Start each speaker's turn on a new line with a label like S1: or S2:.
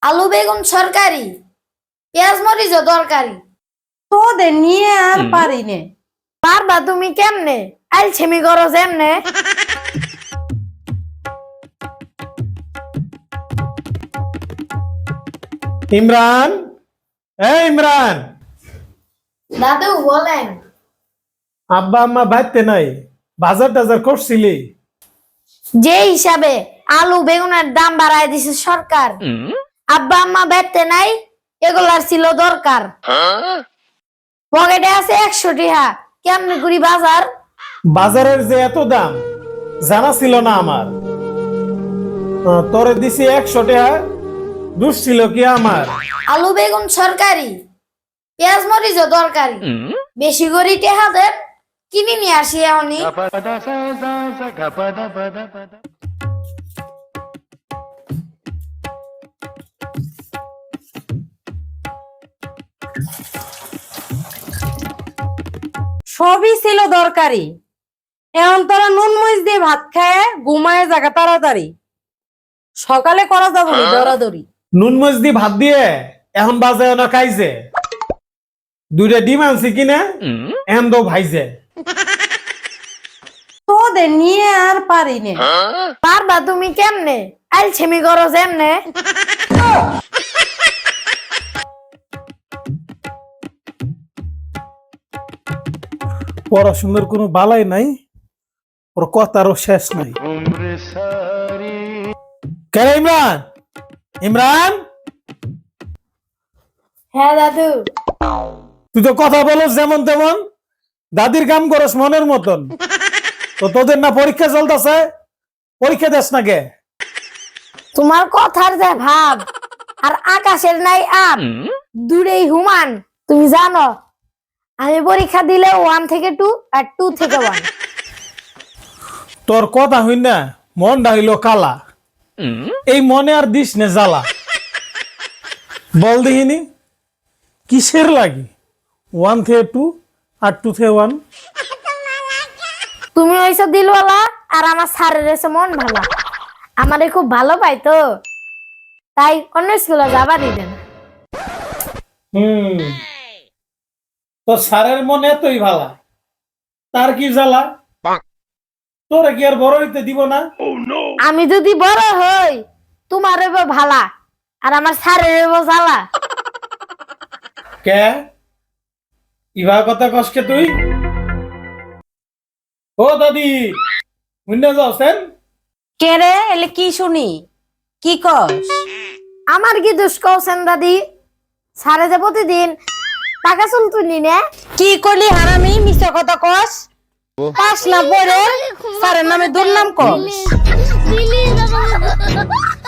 S1: আলু বেগুন সরকারি, পেঁয়াজ মরিচ দরকারি।
S2: তোদের নিয়ে আর পারি নে।
S1: পারবা তুমি কেমনে? আইছেমি করো যেমনে।
S3: ইমরান, ইমরান,
S1: দাদু বলেন।
S3: আব্বা আম্মা বাড়িতে নাই, বাজার টাজার করছিলি?
S1: যে হিসাবে আলু বেগুনের দাম বাড়ায় দিছে সরকার, আব্বা আম্মা বেতে নাই, এগুলার ছিল দরকার। পকেটে আছে 100 টাকা, কেমনে করি বাজার?
S3: বাজারের যে এত দাম জানা ছিল না আমার। তোরে দিছি 100 টাকা, দুষ ছিল কি আমার?
S1: আলু বেগুন সরকারি, পেঁয়াজ মরিচ দরকারি। বেশি করে টেহা দেন, কিনে নিয়ে আসি এখনই।
S2: সবই ছিল দরকারি। এখন তোরা নুন মরিচ দিয়ে ভাত খায় ঘুমায় জায়গা তাড়াতাড়ি। সকালে করা যাবো না দৌড়াদৌড়ি।
S3: নুন মরিচ দিয়ে ভাত দিয়ে এখন বাজে না খাইছে। 2টা ডিম আনছি কিনা এখন তো ভাইছে।
S2: তোদের নিয়ে আর পারি নে।
S1: পারবা তুমি কেমনে? আইছেমি করো যেমনে।
S3: পড়াশোনার কোনো বালাই নাই, ওর কথারও শেষ নাই। কেন ইমরান? ইমরান,
S1: হ্যাঁ দাদু।
S3: তুই তো কথা বলস যেমন তেমন, দাদির কাম করস মনের মতন। তো তোদের না পরীক্ষা চলতেছে, পরীক্ষা দেস না কে?
S1: তোমার কথার যে ভাব আর আকাশের নাই আপ, দূরেই হুমান। তুমি জানো আমি পরীক্ষা দিলে 1 থেকে 2 আর 2 থেকে 1।
S3: তোর কথা হই না মনটা হইলো কালা, এই মনে আর দিস নে জ্বালা। বল দেখিনি কিসের লাগি 1 থেকে 2 আর 2 থেকে 1?
S1: তুমি হইছো দিলওয়ালা আর আমার স্যারের হইছে মন ভালো। আমারে খুব ভালো পাই তো, তাই অন্য স্কুলে যাবা দিবেন।
S3: তোর স্যারের মনে এতই ভালা, তার কি জ্বালা? তোরা কি আর বড় হইতে দিব না?
S1: আমি যদি বড় হই তোমার হইব ভালা আর আমার স্যারের হইব জ্বালা।
S3: কে ইভা কথা কসকে তুই? ও দাদি মুন্না যাওছেন?
S2: কে রে এলে কি শুনি? কি কস?
S1: আমার কি দোষ কওছেন দাদি? স্যারে যে প্রতিদিন টাকা চুল তুলি নে।
S2: কি করলি হারামি? মিছা কথা কস। পাস না পড়ে স্যারের নামে দুর্নাম কস।